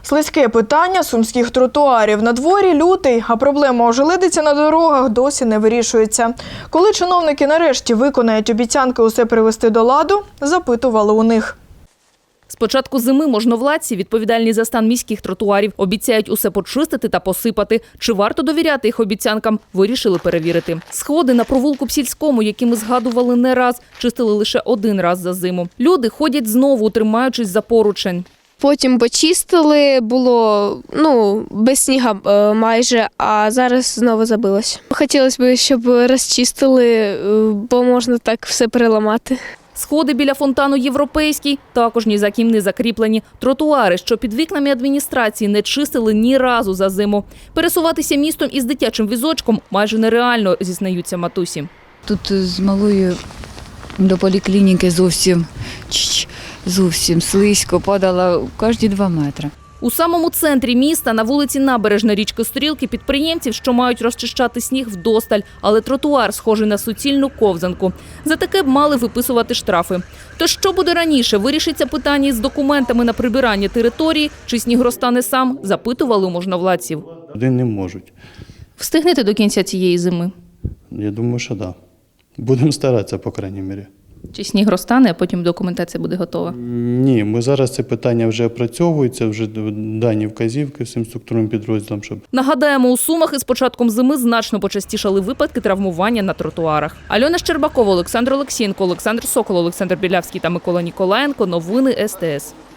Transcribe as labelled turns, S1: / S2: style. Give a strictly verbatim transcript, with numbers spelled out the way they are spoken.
S1: Слизьке питання сумських тротуарів. На дворі лютий, а проблема ожеледиці на дорогах досі не вирішується. Коли чиновники нарешті виконають обіцянки усе привести до ладу, запитували у них.
S2: З початку зими можновладці, відповідальні за стан міських тротуарів, обіцяють усе почистити та посипати. Чи варто довіряти їх обіцянкам, вирішили перевірити. Сходи на провулку Псільському, які ми згадували не раз, чистили лише один раз за зиму. Люди ходять знову, тримаючись за поручень.
S3: Потім почистили, було ну, без сніга е, майже, а зараз знову забилось. Хотілося б, щоб розчистили, е, бо можна так все переламати.
S2: Сходи біля фонтану «Європейський» також ні за ким не закріплені. Тротуари, що під вікнами адміністрації, не чистили ні разу за зиму. Пересуватися містом із дитячим візочком майже нереально, зізнаються матусі.
S4: Тут з малою до поліклініки зовсім, зовсім слизько, падала кожні два метри.
S2: У самому центрі міста, на вулиці Набережна річки Стрілки, підприємців, що мають розчищати сніг, вдосталь, але тротуар схожий на суцільну ковзанку. За таке б мали виписувати штрафи. То що буде раніше? Вирішиться питання із документами на прибирання території, чи сніг розтане сам, запитували у можновладців.
S5: Один не можуть.
S2: Встигнете до кінця цієї зими?
S5: Я думаю, що так. Да. Будемо старатися, по крайній мірі.
S2: Чи сніг розтане, а потім документація буде готова?
S5: Ні, ми зараз це питання вже опрацьовується, вже дані вказівки всім структурним підрозділам. Щоб...
S2: Нагадаємо, у Сумах із початком зими значно почастішали випадки травмування на тротуарах. Альона Щербакова, Олександр Олексієнко, Олександр Сокол, Олександр Білявський та Микола Ніколаєнко. Новини ес те ес.